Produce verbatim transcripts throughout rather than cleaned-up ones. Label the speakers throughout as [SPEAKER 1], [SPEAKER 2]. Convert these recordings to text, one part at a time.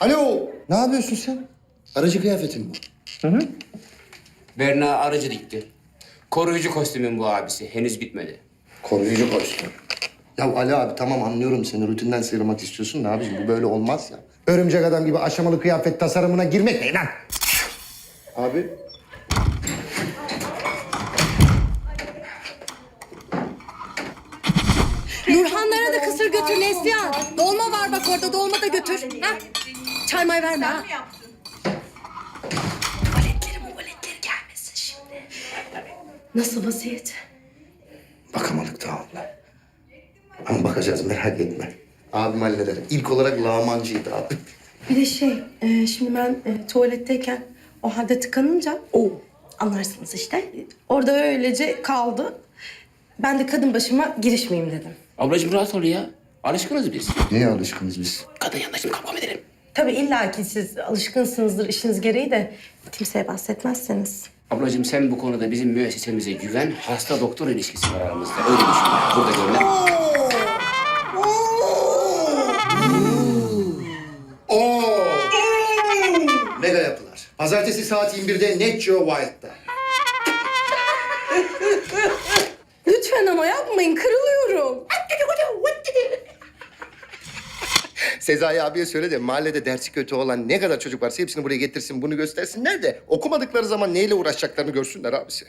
[SPEAKER 1] Alo, ne yapıyorsun sen? Aracı kıyafetin bu.
[SPEAKER 2] Hı hı. Berna aracı dikti. Koruyucu kostümün bu abisi. Henüz bitmedi.
[SPEAKER 1] Koruyucu kostüm. Ya Ali abi tamam anlıyorum seni rutinden sıyrılmak istiyorsun da abiciğim bu böyle olmaz ya. Örümcek adam gibi aşamalı kıyafet tasarımına girmek ne lan? Abi.
[SPEAKER 3] Nurhanlara da kısır götür Neslihan. Dolma var bak orada, dolma da götür. Ha? Çay may verme ha. Valetleri muvaletleri gelmesin şimdi. Nasıl vaziyet?
[SPEAKER 1] Bakamadık daha abla. Ama bakacağız merak etme. Abim halleder. İlk olarak lağmancıydı abi.
[SPEAKER 3] Bir de şey, e, şimdi ben e, tuvaletteyken o halde tıkanınca... o anlarsınız işte. Orada öylece kaldı. Ben de kadın başıma girişmeyeyim dedim.
[SPEAKER 2] Ablacığım rahat ol ya. Alışkınız biz.
[SPEAKER 1] Neye alışkınız biz?
[SPEAKER 2] Kadın yanında şimdi kavga mı edelim?
[SPEAKER 3] Tabii illaki siz alışkınsınızdır işiniz gereği de kimseye bahsetmezseniz.
[SPEAKER 2] Ablacığım sen bu konuda bizim müessesemize güven. Hasta doktor ilişkisi var aramızda. Öyle düşün. Burada görünen.
[SPEAKER 1] Oo! Mega yapılar. Pazartesi saat yirmi birde Net Geo Wild'da.
[SPEAKER 3] Lütfen ama yapmayın, kırılıyorum.
[SPEAKER 1] Sezai abiye söyle de mahallede dersi kötü olan ne kadar çocuk varsa hepsini buraya getirsin, bunu göstersinler de okumadıkları zaman neyle uğraşacaklarını görsünler abisi.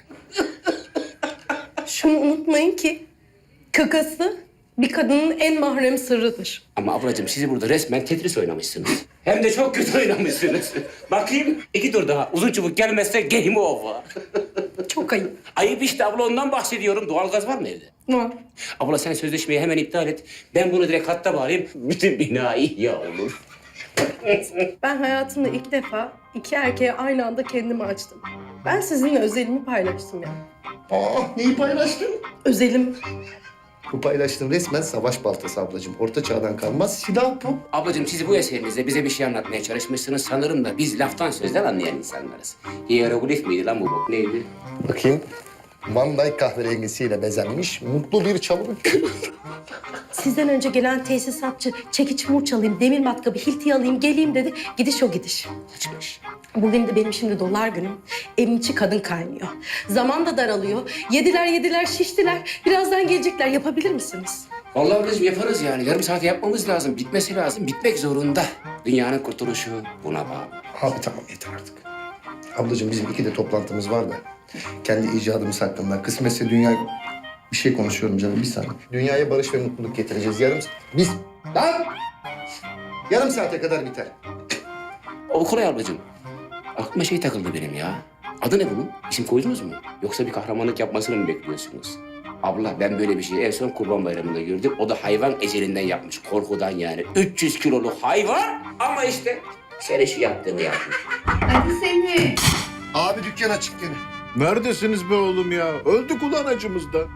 [SPEAKER 3] Şunu unutmayın ki kakası bir kadının en mahrem sırrıdır.
[SPEAKER 2] Ama ablacığım sizi burada resmen Tetris oynamışsınız. Hem de çok kötü oynamışsınız. Bakayım iki tur daha. Uzun çubuk gelmezse game over.
[SPEAKER 3] Çok ayıp.
[SPEAKER 2] Ayıp işte abla ondan bahsediyorum. Doğalgaz var mı evde?
[SPEAKER 3] Var.
[SPEAKER 2] Abla sen sözleşmeyi hemen iptal et. Ben bunu direkt hatta bağlayayım. Bütün bina ihya olur.
[SPEAKER 3] Ben hayatımda ilk defa iki erkeğe aynı anda kendimi açtım. Ben sizinle özelimi paylaştım ya.
[SPEAKER 1] Aa, neyi paylaştın?
[SPEAKER 3] Özelim.
[SPEAKER 1] Bu paylaştığın resmen savaş baltası ablacığım. Orta çağdan kalmaz silah bu.
[SPEAKER 2] Ablacığım siz bu eserinizde bize bir şey anlatmaya çalışmışsınız. Sanırım da biz laftan sözden anlayan insanlarız. Hieroglif miydi lan bu bok? Neydi?
[SPEAKER 1] Bakayım. Van Dyke kahverengisiyle bezenmiş mutlu bir çalılık.
[SPEAKER 3] Sizden önce gelen tesisatçı çekiç murç alayım, demir matkabı, hilti alayım, geleyim dedi. Gidiş o gidiş.
[SPEAKER 2] Kaçmış.
[SPEAKER 3] Bugün de benim şimdi dolar günüm. Evin içi kadın kaynıyor. Zaman da daralıyor. Yediler yediler şiştiler. Birazdan gelecekler. Yapabilir misiniz?
[SPEAKER 2] Vallahi ablacığım yaparız yani. Yarım saate yapmamız lazım. Bitmesi lazım. Bitmek zorunda. Dünyanın kurtuluşu buna bağlı.
[SPEAKER 1] Abi tamam yeter artık. Ablacığım bizim iki de toplantımız var da. Kendi icadımız hakkında. Kısmetse dünya... Bir şey konuşuyorum canım bir saniye. Dünyaya barış ve mutluluk getireceğiz. Yarım... Biz... Lan! Yarım saate kadar biter.
[SPEAKER 2] Okulay ablacığım. Aklıma şey takıldı benim ya. Adı ne bunun? İsim koydunuz mu? Yoksa bir kahramanlık yapmasını mı bekliyorsunuz? Abla ben böyle bir şeyi en son Kurban Bayramı'nda gördüm. O da hayvan ecelinden yapmış. Korkudan yani. üç yüz kiloluk hayvan ama işte senin şu yaptığını yapmış.
[SPEAKER 4] Hadi seni.
[SPEAKER 1] Abi dükkan açık gene.
[SPEAKER 5] Neredesiniz be oğlum ya? Öldük ulan acımızdan.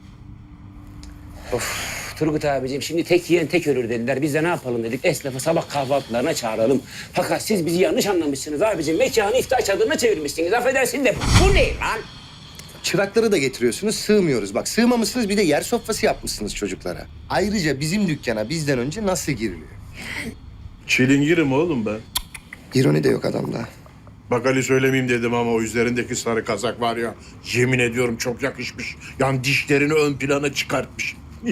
[SPEAKER 2] Turgut abiciğim şimdi tek yiyen tek ölür dediler. Biz de ne yapalım dedik. Esnafı sabah kahvaltılarına çağıralım. Fakat siz bizi yanlış anlamışsınız abiciğim. Mekanı iftar çadırına çevirmişsiniz. Affedersin de bu ne lan?
[SPEAKER 1] Çırakları da getiriyorsunuz, sığmıyoruz. Bak sığmamışsınız bir de yer sofrası yapmışsınız çocuklara. Ayrıca bizim dükkana bizden önce nasıl giriliyor?
[SPEAKER 5] Çilingirim oğlum ben.
[SPEAKER 1] İroni de yok adamda.
[SPEAKER 5] Bak Ali söylemeyeyim dedim ama o üzerindeki sarı kazak var ya... ...yemin ediyorum çok yakışmış. Yani dişlerini ön plana çıkartmış.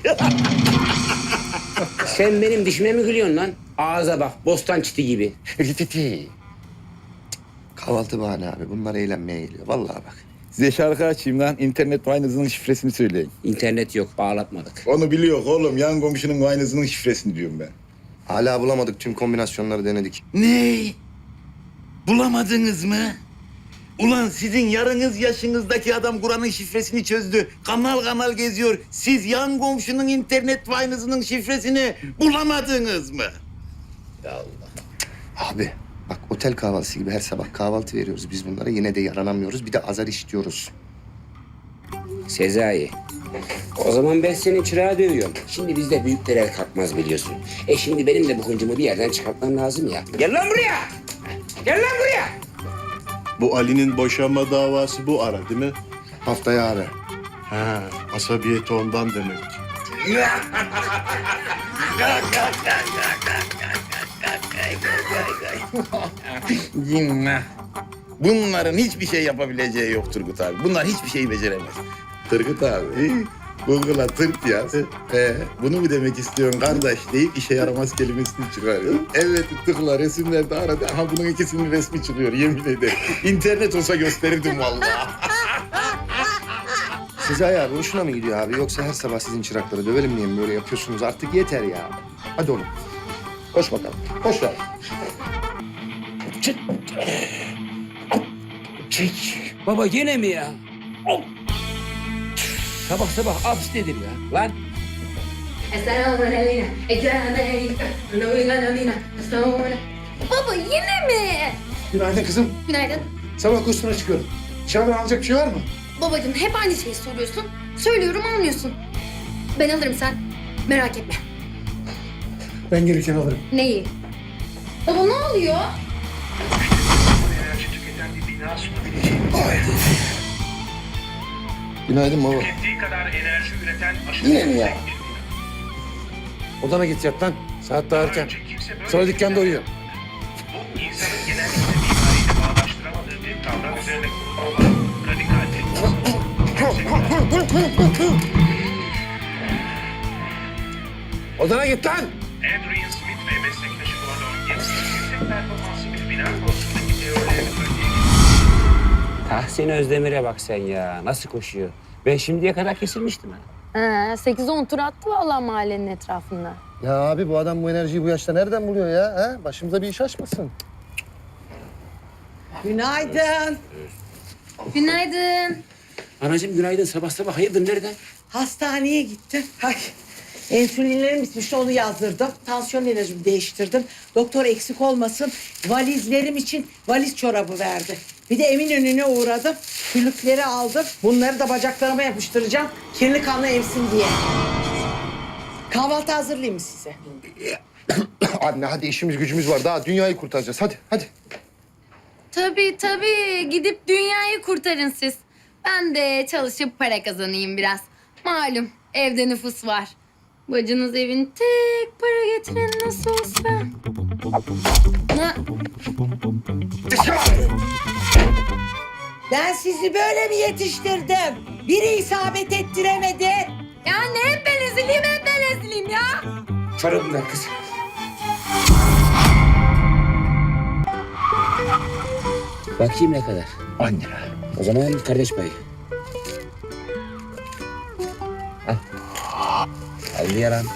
[SPEAKER 2] Sen benim dişime mi gülüyorsun lan? Ağza bak, bostan çiti gibi.
[SPEAKER 1] Kahvaltı bahane abi. Bunlar eğlenmeye geliyor. Vallahi bak.
[SPEAKER 6] Size şarkı açayım lan. İnternet Wine'ınızın şifresini söyleyin.
[SPEAKER 2] İnternet yok, bağlatmadık.
[SPEAKER 6] Onu biliyor oğlum. Yan komşunun Wine'ınızın şifresini diyorum ben.
[SPEAKER 1] Hala bulamadık. Tüm kombinasyonları denedik.
[SPEAKER 6] Ne? Bulamadınız mı? Ulan sizin yarınız yaşınızdaki adam Kur'an'ın şifresini çözdü. Kanal kanal geziyor. Siz yan komşunun internet Wine'ınızın şifresini bulamadınız mı? Ya Allah.
[SPEAKER 1] Abi bak otel kahvaltısı gibi her sabah kahvaltı veriyoruz biz bunlara. Yine de yaranamıyoruz. Bir de azar işliyoruz.
[SPEAKER 2] Sezai, o zaman ben senin çırağı dövüyorum. Şimdi bizde büyükler el kalkmaz biliyorsun. E şimdi benim de bu hıncımı bir yerden çıkartmam lazım ya. Gel lan buraya! Gel lan buraya!
[SPEAKER 5] Bu Ali'nin boşanma davası bu ara değil mi?
[SPEAKER 1] Haftaya abi.
[SPEAKER 5] Ha, asabiyeti ondan demek.
[SPEAKER 6] Cinnah. Bunların hiçbir şey yapabileceği yok Turgut abi. Bunlar hiçbir şeyi beceremez. Turgut abi, Google'a tırt yaz. He, bunu mu demek istiyorsun kardeş deyip işe yaramaz kelimesini çıkarıyor. Evet, tıkla resimlerde aradı. Aha bunun ikisinin resmi çıkıyor yemin ederim. İnternet olsa gösterirdim vallahi.
[SPEAKER 1] Sezai abi hoşuna mı gidiyor abi? Yoksa her sabah sizin çırakları dövelim diye mi böyle yapıyorsunuz? Artık yeter ya. Hadi oğlum. Koş bakalım. Koş lan.
[SPEAKER 2] Çıt. Çek. Baba gene mi ya? Hop. Sabah sabah abs nedir ya? Lan.
[SPEAKER 4] Baba yine mi?
[SPEAKER 7] Günaydın kızım.
[SPEAKER 4] Günaydın.
[SPEAKER 7] Sabah kursuna çıkıyorum. Dışarıdan alacak bir şey var mı?
[SPEAKER 4] Babacığım hep aynı şeyi soruyorsun. Söylüyorum almıyorsun. Ben alırım sen. Merak etme.
[SPEAKER 7] Ben gelirken alırım.
[SPEAKER 4] Neyi? Baba ne oluyor?
[SPEAKER 8] enerji tüketen bir bina sunabileceği
[SPEAKER 1] Günaydın baba.
[SPEAKER 8] tükettiği kadar enerji üreten aşırı
[SPEAKER 1] Yine mi ya?
[SPEAKER 8] yüksek bir bina.
[SPEAKER 7] Odana git yat lan. Saat daha erken.
[SPEAKER 8] Önce kimse böyle
[SPEAKER 7] Sonra
[SPEAKER 8] bir
[SPEAKER 7] dükkanda
[SPEAKER 8] bina
[SPEAKER 7] uyuyor.
[SPEAKER 8] Bu insanın genellikle mimariyle bağdaştıramadığı bir kavram üzerine kurulu olan radikal bir
[SPEAKER 7] Odana git lan.
[SPEAKER 8] Adrian Smith ve meslektaşı Gordon Gibbs yüksek performanslı bir bina konusundaki teorilerini örneğin
[SPEAKER 2] Tahsin Özdemir'e bak sen ya. Nasıl koşuyor? Ben şimdiye kadar kesilmiştim ha.
[SPEAKER 4] Ha, sekiz on tur attı vallahi mahallenin etrafında.
[SPEAKER 1] Ya abi bu adam bu enerjiyi bu yaşta nereden buluyor ya? Ha? Başımıza bir iş açmasın.
[SPEAKER 9] Günaydın.
[SPEAKER 4] Günaydın.
[SPEAKER 2] Anacığım günaydın. Sabah sabah hayırdır nereden?
[SPEAKER 9] Hastaneye gittim. Ay, insülinlerim bitmişti onu yazdırdım. Tansiyon ilacımı değiştirdim. Doktor eksik olmasın valizlerim için valiz çorabı verdi. Bir de Eminönü'ne uğradım. Külükleri aldım. Bunları da bacaklarıma yapıştıracağım. Kirli kanla emsin diye. Kahvaltı hazırlayayım mı size?
[SPEAKER 1] Anne hadi işimiz gücümüz var. Daha dünyayı kurtaracağız. Hadi hadi.
[SPEAKER 4] Tabii tabii. Gidip dünyayı kurtarın siz. Ben de çalışıp para kazanayım biraz. Malum evde nüfus var. Bacınız evin tek para getiren nasıl olsa. Ha,
[SPEAKER 9] Ben sizi böyle mi yetiştirdim? Biri isabet ettiremedi.
[SPEAKER 4] ya ne hep ben ezileyim hep ben ezileyim ya.
[SPEAKER 2] Çorabını ver kız. Bakayım ne kadar? On lira. O zaman kardeş payı. Al. Al yaran.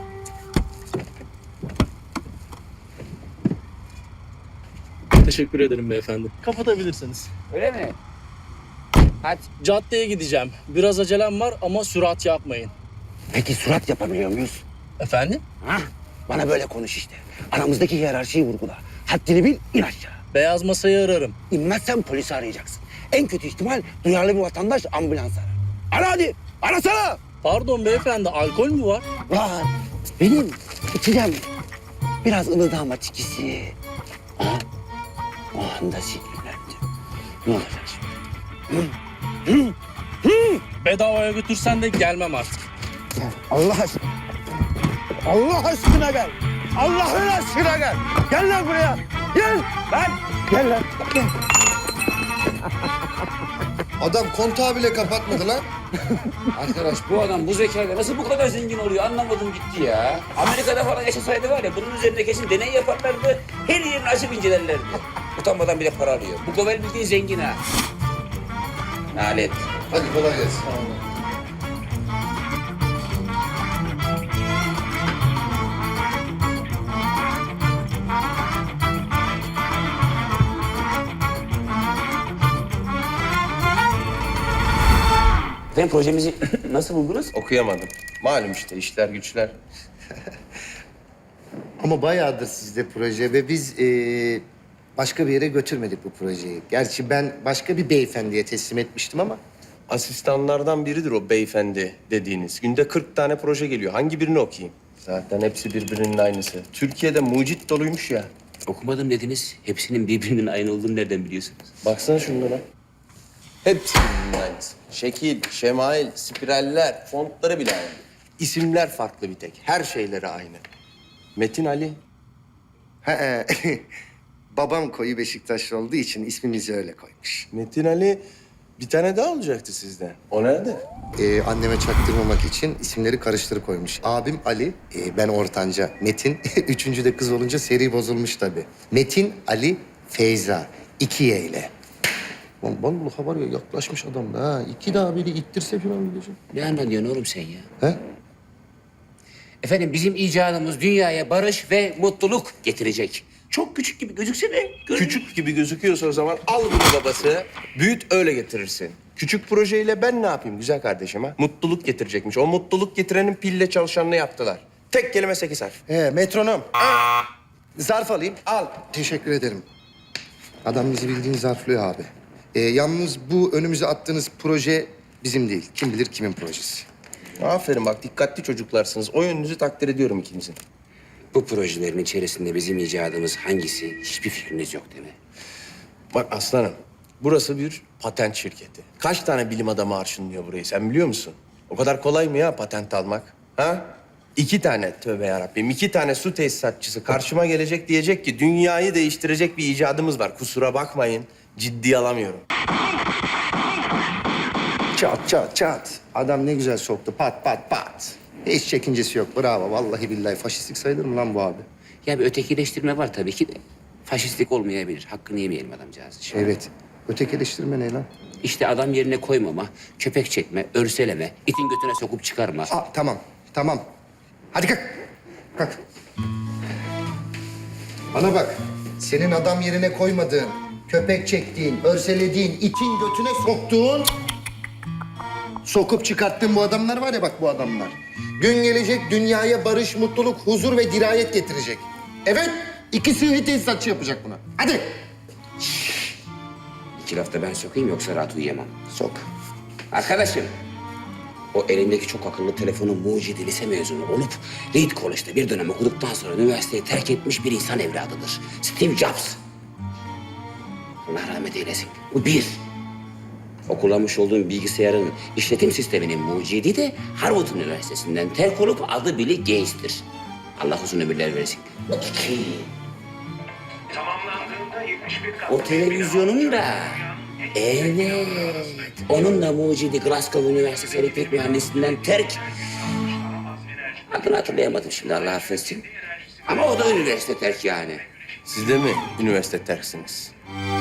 [SPEAKER 10] Teşekkür ederim beyefendi. Kapatabilirsiniz.
[SPEAKER 2] Öyle mi? Hadi.
[SPEAKER 10] Caddeye gideceğim. Biraz acelem var ama sürat yapmayın.
[SPEAKER 11] Peki surat yapabiliyor muyuz?
[SPEAKER 10] Efendim?
[SPEAKER 11] Hah, bana böyle konuş işte. Aramızdaki hiyerarşiyi vurgula. Haddini bil, in aşağı.
[SPEAKER 10] Beyaz masayı ararım.
[SPEAKER 11] İnmezsen polisi arayacaksın. En kötü ihtimal duyarlı bir vatandaş ambulans arar. Ara hadi, arasana.
[SPEAKER 10] Pardon beyefendi, alkol mü var?
[SPEAKER 11] Var, benim içeceğim. Biraz ılıdağma tikisi. Aha, o anda sinirlendim. Ne olacak şimdi?
[SPEAKER 10] Bedavaya götürsen de gelmem artık.
[SPEAKER 11] Allah aşkına. Allah aşkına gel. Allah'ın aşkına gel. Gel lan buraya. Gel lan. Gel lan. Gel.
[SPEAKER 1] Adam kontağı bile kapatmadı lan.
[SPEAKER 2] Arkadaş bu adam bu zekayla nasıl bu kadar zengin oluyor anlamadım gitti ya. Amerika'da falan yaşasaydı var ya bunun üzerinde kesin deney yaparlardı. Her yerini açıp incelerlerdi. Utanmadan bile para alıyor. Bu Govel bildiğin zengin ha. Nalet.
[SPEAKER 1] Hadi kolay gelsin.
[SPEAKER 2] Efendim projemizi nasıl buldunuz?
[SPEAKER 12] Okuyamadım. Malum işte işler güçler.
[SPEAKER 1] Ama bayağıdır sizde proje ve biz eee, başka bir yere götürmedik bu projeyi. Gerçi ben başka bir beyefendiye teslim etmiştim ama
[SPEAKER 12] Asistanlardan biridir o beyefendi dediğiniz. Günde kırk tane proje geliyor. Hangi birini okuyayım? Zaten hepsi birbirinin aynısı. Türkiye'de mucit doluymuş ya.
[SPEAKER 2] Okumadım dediniz. Hepsinin birbirinin aynı olduğunu nereden biliyorsunuz?
[SPEAKER 12] Baksana şunlara. Hepsi birbirinin aynısı. Şekil, şemail, spiraller, fontları bile aynı. İsimler farklı bir tek. Her şeyleri aynı. Metin Ali.
[SPEAKER 1] He, babam koyu Beşiktaşlı olduğu için ismimizi öyle koymuş.
[SPEAKER 12] Metin Ali bir tane daha olacaktı sizden. O nerede?
[SPEAKER 1] Ee, anneme çaktırmamak için isimleri karıştırıp koymuş. Abim Ali, e, ben ortanca Metin. Üçüncü de kız olunca seri bozulmuş tabii. Metin Ali Feyza. İki Y ile. Lan vallahi var ya yaklaşmış adam da ha. İki daha biri ittirse falan gidecek.
[SPEAKER 2] Ne anlatıyorsun oğlum sen ya?
[SPEAKER 1] He?
[SPEAKER 2] Efendim bizim icadımız dünyaya barış ve mutluluk getirecek. Çok küçük gibi gözükse de...
[SPEAKER 12] Küçük gibi gözüküyorsa o zaman al bunu babası. Büyüt öyle getirirsin. Küçük projeyle ben ne yapayım güzel kardeşim ha? Mutluluk getirecekmiş. O mutluluk getirenin pille çalışanını yaptılar. Tek kelime sekiz harf.
[SPEAKER 1] He, metronom. Zarf alayım. Al. Teşekkür ederim. Adam bizi bildiğin zarflıyor abi. Ee, yalnız bu önümüze attığınız proje bizim değil. Kim bilir kimin projesi.
[SPEAKER 12] Aferin bak dikkatli çocuklarsınız. O yönünüzü takdir ediyorum ikinizin.
[SPEAKER 2] Bu projelerin içerisinde bizim icadımız hangisi hiçbir fikriniz yok değil mi?
[SPEAKER 12] Bak aslanım, burası bir patent şirketi. Kaç tane bilim adamı arşınlıyor burayı sen biliyor musun? O kadar kolay mı ya patent almak? Ha? İki tane, tövbe yarabbim, iki tane su tesisatçısı karşıma gelecek diyecek ki dünyayı değiştirecek bir icadımız var. Kusura bakmayın, ciddiye alamıyorum.
[SPEAKER 1] Çat çat çat. Adam ne güzel soktu. Pat pat pat. Hiç çekincesi yok. Bravo. Vallahi billahi. Faşistlik sayılır mı lan bu abi?
[SPEAKER 2] Ya bir ötekileştirme var tabii ki de. Faşistlik olmayabilir. Hakkını yemeyelim adamcağız.
[SPEAKER 1] Evet. Ötekileştirme ne lan?
[SPEAKER 2] İşte adam yerine koymama, köpek çekme, örseleme, itin götüne sokup çıkarma.
[SPEAKER 1] Aa, tamam. Tamam. Hadi kalk. Kalk. Bana bak. Senin adam yerine koymadığın, köpek çektiğin, örselediğin, itin götüne soktuğun... Sokup çıkarttığın bu adamlar var ya bak bu adamlar. Gün gelecek dünyaya barış, mutluluk, huzur ve dirayet getirecek. Evet, iki sıhhi tesisatçı yapacak bunu. Hadi.
[SPEAKER 2] İki lafta ben sokayım yoksa rahat uyuyamam.
[SPEAKER 1] Sok.
[SPEAKER 2] Arkadaşım, o elindeki çok akıllı telefonun mucidi lise mezunu olup Reed College'da bir dönem okuduktan sonra üniversiteyi terk etmiş bir insan evladıdır. Steve Jobs. Allah rahmet eylesin. Bu bir. O kullanmış olduğum bilgisayarın işletim sisteminin mucidi de Harvard Üniversitesi'nden terk olup adı Bill Gates'tir. Allah uzun ömürler versin. Bu iki.
[SPEAKER 8] Tamamlandığında yetmiş bir kat...
[SPEAKER 2] O televizyonun da... Evet. Onun da mucidi Glasgow Üniversitesi elektrik mühendisliğinden terk. Adını hatırlayamadım şimdi Allah affetsin. Ama o da üniversite terk yani.
[SPEAKER 12] Siz de mi üniversite terksiniz?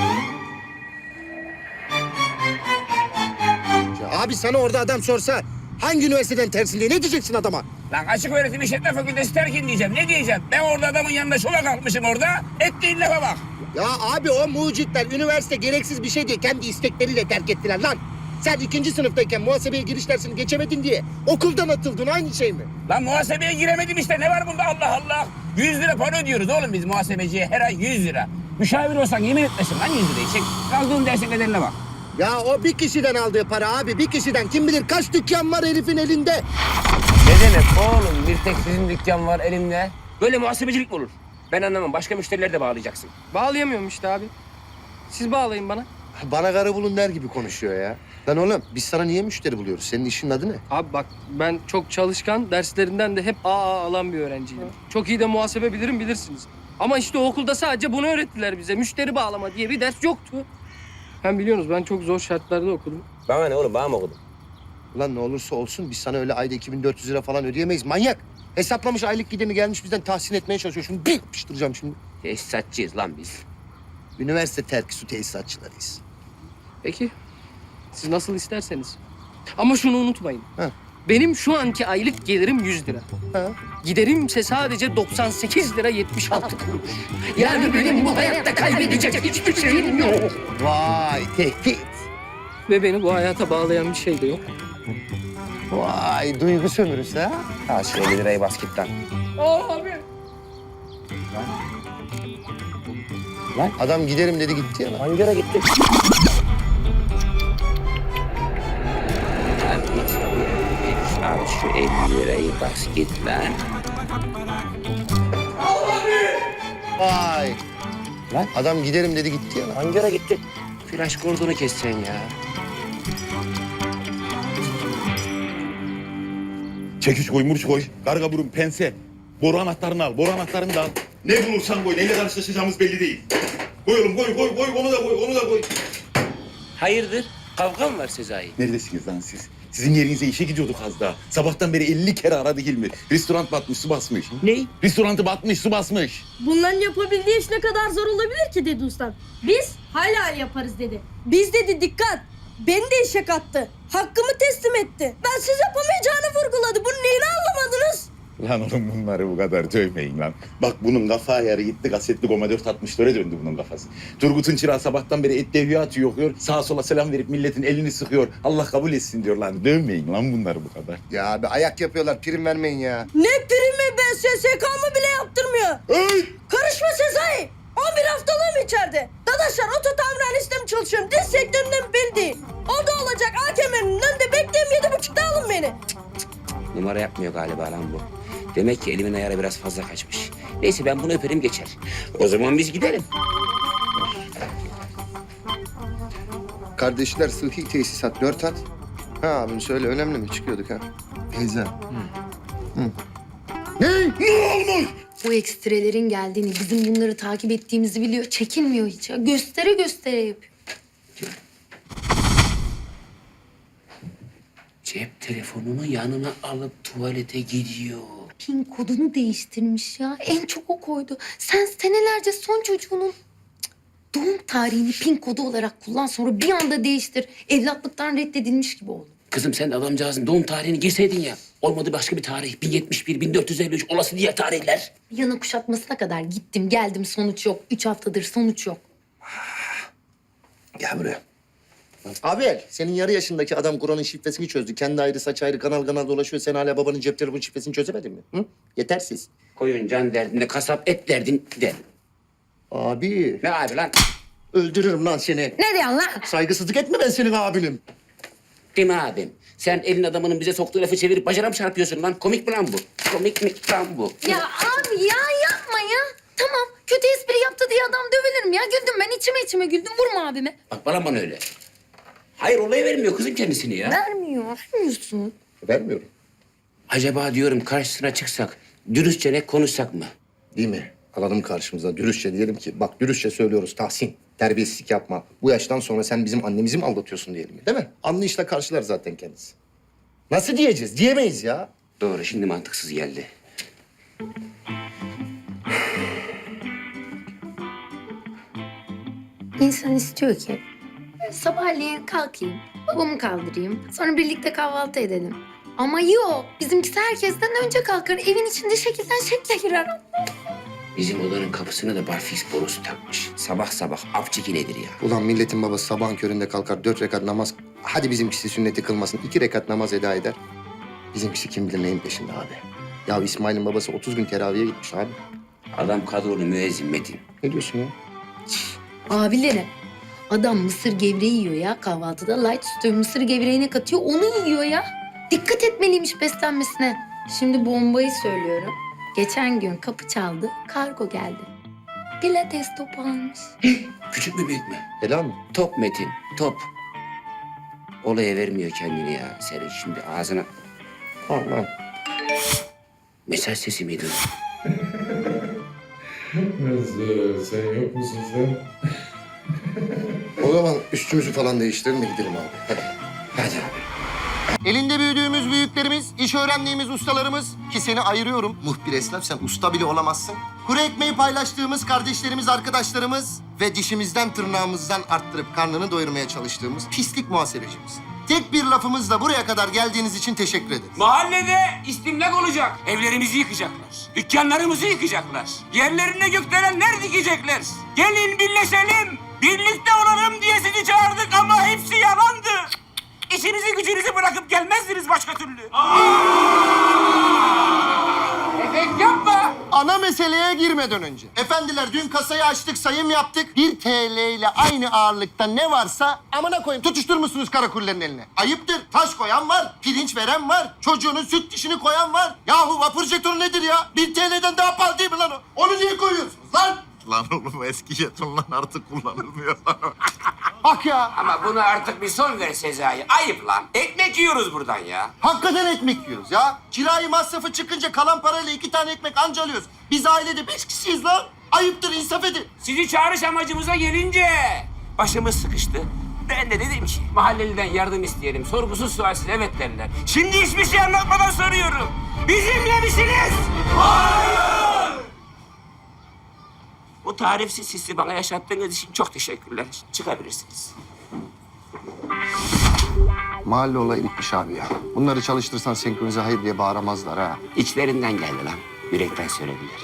[SPEAKER 1] Abi sana orada adam sorsa hangi üniversiteden tersin diye ne diyeceksin adama?
[SPEAKER 2] Lan açık öğretim işletme fakültesi terkin diyeceğim. Ne diyeceğim? Ben orada adamın yanında şova kalkmışım orada. Ettiğin lafa bak.
[SPEAKER 1] Ya abi o mucitler üniversite gereksiz bir şey diye kendi istekleriyle terk ettiler lan. Sen ikinci sınıftayken muhasebeye giriş dersini geçemedin diye okuldan atıldın aynı şey mi?
[SPEAKER 2] Lan muhasebeye giremedim işte. Ne var bunda Allah Allah? Yüz lira para ödüyoruz oğlum biz muhasebeciye her ay yüz lira. Müşavir olsan yemin etmesin lan yüz lirayı. Çek kaldığın dersin nedenine bak.
[SPEAKER 1] Ya o bir kişiden aldığı para abi bir kişiden kim bilir kaç dükkan var herifin elinde.
[SPEAKER 2] Ne demek oğlum? Bir tek sizin dükkan var elimde. Böyle muhasebecilik mi olur? Ben anlamam. Başka müşterileri de bağlayacaksın.
[SPEAKER 10] Bağlayamıyorum işte abi. Siz bağlayın bana.
[SPEAKER 1] Bana karı bulun der gibi konuşuyor ya. Lan oğlum biz sana niye müşteri buluyoruz? Senin işin adı ne?
[SPEAKER 10] Abi bak ben çok çalışkan, derslerinden de hep A A alan bir öğrenciydim. Çok iyi de muhasebe bilirim bilirsiniz. Ama işte o okulda sadece bunu öğrettiler bize. Müşteri bağlama diye bir ders yoktu. Hem biliyorsunuz ben çok zor şartlarda okudum.
[SPEAKER 2] Bana ne oğlum? Bana mı okudun?
[SPEAKER 1] Ulan ne olursa olsun biz sana öyle ayda iki bin dört yüz lira falan ödeyemeyiz. Manyak. Hesaplamış aylık giderini gelmiş bizden tahsin etmeye çalışıyor. Şunu bir yapıştıracağım şimdi.
[SPEAKER 2] Tesisatçıyız lan biz.
[SPEAKER 1] Üniversite terki su tesisatçılarıyız.
[SPEAKER 10] Peki. Siz nasıl isterseniz. Ama şunu unutmayın.
[SPEAKER 1] Ha.
[SPEAKER 10] Benim şu anki aylık gelirim yüz lira.
[SPEAKER 1] Ha.
[SPEAKER 10] Giderimse sadece doksan sekiz lira yetmiş altı kuruş. Yani benim bu hayatta kaybedecek hiçbir şeyim yok.
[SPEAKER 1] Vay tehdit.
[SPEAKER 10] Ve beni bu hayata bağlayan bir şey de yok.
[SPEAKER 1] Vay duygu sömürüsü ha.
[SPEAKER 2] Ha şu elli lirayı bas git lan.
[SPEAKER 10] Abi.
[SPEAKER 2] Lan
[SPEAKER 1] Adam giderim dedi gitti ya lan.
[SPEAKER 2] hangi yere gitti? Abi git. Al şu elli lirayı bas git lan.
[SPEAKER 1] Vay.
[SPEAKER 2] Lan?
[SPEAKER 1] Adam giderim dedi gitti ya lan.
[SPEAKER 2] Hangi yere gitti? Flaş kordonu kessen ya.
[SPEAKER 6] Çekiç koy, murç koy, karga burun, pense. Boru anahtarını al, boru anahtarını da al. Ne bulursan koy, neyle karşılaşacağımız belli değil. Koy oğlum, koy, koy, koy, onu da koy, onu da koy.
[SPEAKER 2] Hayırdır? Kavga mı var Sezai?
[SPEAKER 6] Neredesiniz lan siz? Sizin yerinize işe gidiyorduk az daha. Sabahtan beri elli kere aradı Hilmi. Restoran batmış, su basmış.
[SPEAKER 2] Ne?
[SPEAKER 6] Restorantı batmış, su basmış.
[SPEAKER 13] Bunların yapabildiği iş ne kadar zor olabilir ki dedi ustam. Biz hala yaparız dedi. Biz dedi dikkat. Beni de işe kattı. Hakkımı teslim etti. Ben siz yapamayacağını vurguladı. Bunun neyini anlamadınız?
[SPEAKER 6] Lan oğlum bunları bu kadar dövmeyin lan. Bak bunun kafa ayarı gitti, kasetli Goma dört altmışlara döndü bunun kafası. Turgut'un çırağı sabahtan beri et devya atıyor, okuyor. Sağa sola selam verip milletin elini sıkıyor. Allah kabul etsin diyor lan. Dövmeyin lan bunları bu kadar.
[SPEAKER 1] Ya abi ayak yapıyorlar, prim vermeyin ya.
[SPEAKER 13] Ne primi ben S S K'mı bile yaptırmıyor.
[SPEAKER 6] Hey!
[SPEAKER 13] Karışma Sezai. on bir haftalığım içeride. Dadaşlar oto tamirhanesinde mi çalışıyorum? Diz sektöründe mi belli değil. O da olacak. A K M'nin önünde bekleyeyim yedi buçukta alın beni.
[SPEAKER 2] Numara yapmıyor galiba lan bu. Demek ki elimin ayarı biraz fazla kaçmış. Neyse ben bunu öperim geçer. O zaman biz gidelim.
[SPEAKER 1] Kardeşler sıhhi tesisat dört at. Ha abim söyle önemli mi? Çıkıyorduk ha. Teyze.
[SPEAKER 4] Bu ekstrelerin geldiğini, bizim bunları takip ettiğimizi biliyor. Çekinmiyor hiç ya. Göstere göstere yapıyor.
[SPEAKER 2] Cep telefonunu yanına alıp tuvalete gidiyor.
[SPEAKER 4] Pin kodunu değiştirmiş ya. En çok o koydu. Sen senelerce son çocuğunun cık, doğum tarihini pin kodu olarak kullan, sonra bir anda değiştir. Evlatlıktan reddedilmiş gibi oldu.
[SPEAKER 2] Kızım sen adamcağızın doğum tarihini girseydin ya. Olmadı başka bir tarih. bin yetmiş bir, bin dört yüz elli üç olası diğer tarihler.
[SPEAKER 4] Yana kuşatmasına kadar gittim geldim, sonuç yok. Üç haftadır sonuç yok.
[SPEAKER 1] Gel buraya. Abi senin yarı yaşındaki adam Kur'an'ın şifresini çözdü. Kendi ayrı saç ayrı kanal kanal dolaşıyor. Sen hala babanın cep telefonu şifresini çözemedin mi? Hı? Yetersiz.
[SPEAKER 2] Koyun can derdinde, kasap et derdin der.
[SPEAKER 1] Abi
[SPEAKER 2] Ne abi lan?
[SPEAKER 1] öldürürüm lan seni.
[SPEAKER 4] Ne diyorsun lan?
[SPEAKER 1] Saygısızlık etme ben senin abinim.
[SPEAKER 2] Değil mi abim? Sen elin adamının bize soktuğu lafı çevirip bacana mı çarpıyorsun lan? Komik mi lan bu? Komik mi lan bu?
[SPEAKER 4] Ya abi ya yapma ya. Tamam, kötü espri yaptı diye adam dövülür mü ya? Güldüm ben, içime içime güldüm. Vurma abime.
[SPEAKER 2] Bak bana bana öyle. Hayır olayı vermiyor kızım kendisini ya.
[SPEAKER 4] Vermiyor, vermiyorsun.
[SPEAKER 1] Vermiyorum.
[SPEAKER 2] Acaba diyorum karşısına çıksak, dürüstçe ne konuşsak mı?
[SPEAKER 1] Değil mi? Alalım karşımıza dürüstçe diyelim ki bak dürüstçe söylüyoruz Tahsin. Terbiyesizlik yapma. Bu yaştan sonra sen bizim annemizi mi aldatıyorsun diyelim değil mi? Anlayışla karşılar zaten kendisi. Nasıl diyeceğiz? Diyemeyiz ya.
[SPEAKER 2] Doğru, şimdi mantıksız geldi.
[SPEAKER 4] İnsan istiyor ki sabahleyin kalkayım, babamı kaldırayım, sonra birlikte kahvaltı edelim. Ama yok, bizimkisi herkesten önce kalkar, evin içinde şekilden şekle girer.
[SPEAKER 2] Bizim odanın kapısına da barfiks borusu takmış. Sabah sabah af çekiledir ya.
[SPEAKER 1] Ulan milletin babası sabahın köründe kalkar dört rekat namaz. Hadi bizimkisi sünneti kılmasın. iki rekat namaz eda eder. Bizimkisi kim bilir neyin peşinde abi. Ya İsmail'in babası otuz gün teraviye gitmiş abi.
[SPEAKER 2] Adam kadrolu müezzin Metin.
[SPEAKER 1] Ne diyorsun ya?
[SPEAKER 4] Abileri, adam mısır gevreği yiyor ya kahvaltıda. Light tutuyor, mısır gevreğine katıyor, onu yiyor ya. Dikkat etmeliymiş beslenmesine. Şimdi bombayı söylüyorum. Geçen gün kapı çaldı, kargo geldi. Pilates topu almış.
[SPEAKER 2] Küçük mü büyük mü?
[SPEAKER 1] Helal mi?
[SPEAKER 2] Top Metin, top. Olaya vermiyor kendini ya. Senin şimdi ağzına...
[SPEAKER 1] Allah'ım.
[SPEAKER 2] Mesaj sesi miydi?
[SPEAKER 7] Nasıl? Sen yok musun sen?
[SPEAKER 1] O zaman üstümüzü falan değiştirelim de gidelim abi. Hadi.
[SPEAKER 2] Hadi abi.
[SPEAKER 1] Elinde büyüdüğümüz büyüklerimiz, iş öğrendiğimiz ustalarımız ki seni ayırıyorum. Muhbir esnaf sen usta bile olamazsın. Kuru ekmeği paylaştığımız kardeşlerimiz, arkadaşlarımız ve dişimizden tırnağımızdan arttırıp karnını doyurmaya çalıştığımız pislik muhasebecimiz. Tek bir lafımızla buraya kadar geldiğiniz için teşekkür ederiz.
[SPEAKER 14] Mahallede istimlak olacak. Evlerimizi yıkacaklar. Dükkanlarımızı yıkacaklar. Yerlerine gökdelenler dikecekler. Gelin birleşelim. Birlikte olalım diye sizi çağırdık ama hepsi yalandı. İşinizi gücünüzü bırakıp gelmezdiniz başka türlü. Efekt yapma.
[SPEAKER 1] Ana meseleye girmeden önce. Efendiler dün kasayı açtık, sayım yaptık. Bir T L ile aynı ağırlıkta ne varsa amına koyayım tutuşturmuşsunuz karakullerin eline. Ayıptır. Taş koyan var, pirinç veren var, çocuğunun süt dişini koyan var. Yahu vapur jetonu nedir ya? Bir T L'den daha pahalı değil mi lan o? Onu niye koyuyorsunuz lan?
[SPEAKER 6] Lan oğlum eski jeton lan artık kullanılmıyor.
[SPEAKER 1] Bak ya.
[SPEAKER 2] Ama buna artık bir son ver Sezai. Ayıp lan. Ekmek yiyoruz buradan ya.
[SPEAKER 1] Hakikaten ekmek yiyoruz ya. Kirayı masrafı çıkınca kalan parayla iki tane ekmek anca alıyoruz. Biz ailede beş kişiyiz lan. Ayıptır, insaf edin.
[SPEAKER 2] Sizi çağırış amacımıza gelince başımız sıkıştı. Ben de dedim ki mahalleliden yardım isteyelim. Sorgusuz sualsiz evet derler. Şimdi hiçbir şey anlatmadan soruyorum. Bizimle misiniz? Hayır! Bu tarifsiz hissi bana yaşattığınız için çok teşekkürler. Çıkabilirsiniz.
[SPEAKER 1] Mahalle olayı bitmiş abi ya. Bunları çalıştırsan senkronize hayır diye bağıramazlar ha.
[SPEAKER 2] İçlerinden geldi lan. Yürekten söylediler.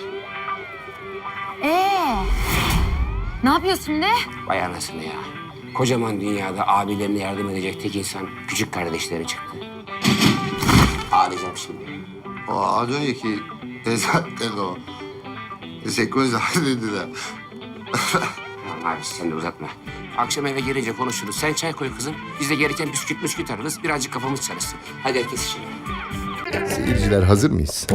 [SPEAKER 4] Ee, ne yapıyorsun şimdi?
[SPEAKER 2] Vay anasını ya. Kocaman dünyada abilerine yardım edecek tek insan küçük kardeşleri çıktı. Ağlayacağım şimdi.
[SPEAKER 1] O az önceki zaten o. Senkronize hayır dediler.
[SPEAKER 2] Tamam abi sen de uzatma. Akşam eve gelince konuşuruz. Sen çay koy kızım. Biz de gereken bisküt müsküt ararız. Birazcık kafamız çalışsın. Hadi herkes işine.
[SPEAKER 1] Seyirciler hazır mıyız?